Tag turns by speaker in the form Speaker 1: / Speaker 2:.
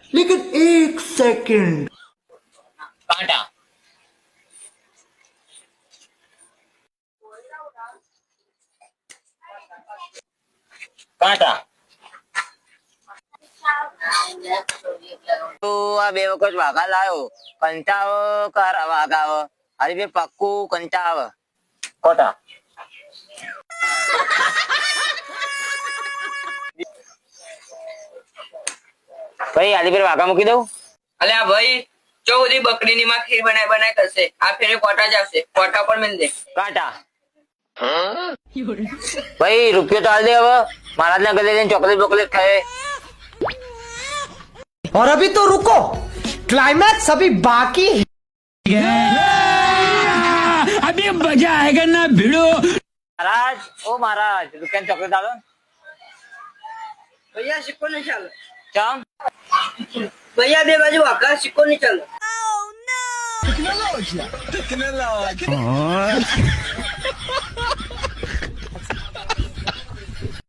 Speaker 1: लेकिन एक सेकंड,
Speaker 2: कांटा कांटा तो आ બે વખત વાઘા લાયો કંટાવ કર વાઘાવ અરે બે પક્કું કંટાવ કોટા ભાઈ આલી પર વાઘા મૂકી દઉં
Speaker 3: અલ્યા ભાઈ જો બધી બકરીની માં ખીર બનાય બનાય કરશે આ ફેરે કોટા જ આવશે કોટા પર મિલ દે
Speaker 2: કાંટા ભાઈ રૂપિયો તો હાલ દે હવે महाराज ने गले चॉकलेट वॉकलेट खाए।
Speaker 1: और अभी तो रुको, क्लाइमैक्स अभी बाकी है।
Speaker 4: अभी मजा आएगा ना भिड़ो।
Speaker 2: महाराज ओ महाराज रुपया चॉकलेट डालो
Speaker 3: भैया सिक्को नहीं चल
Speaker 2: चम
Speaker 3: भैया दे बाजू आका सिक्को नहीं चल
Speaker 4: टेक्नोलॉजी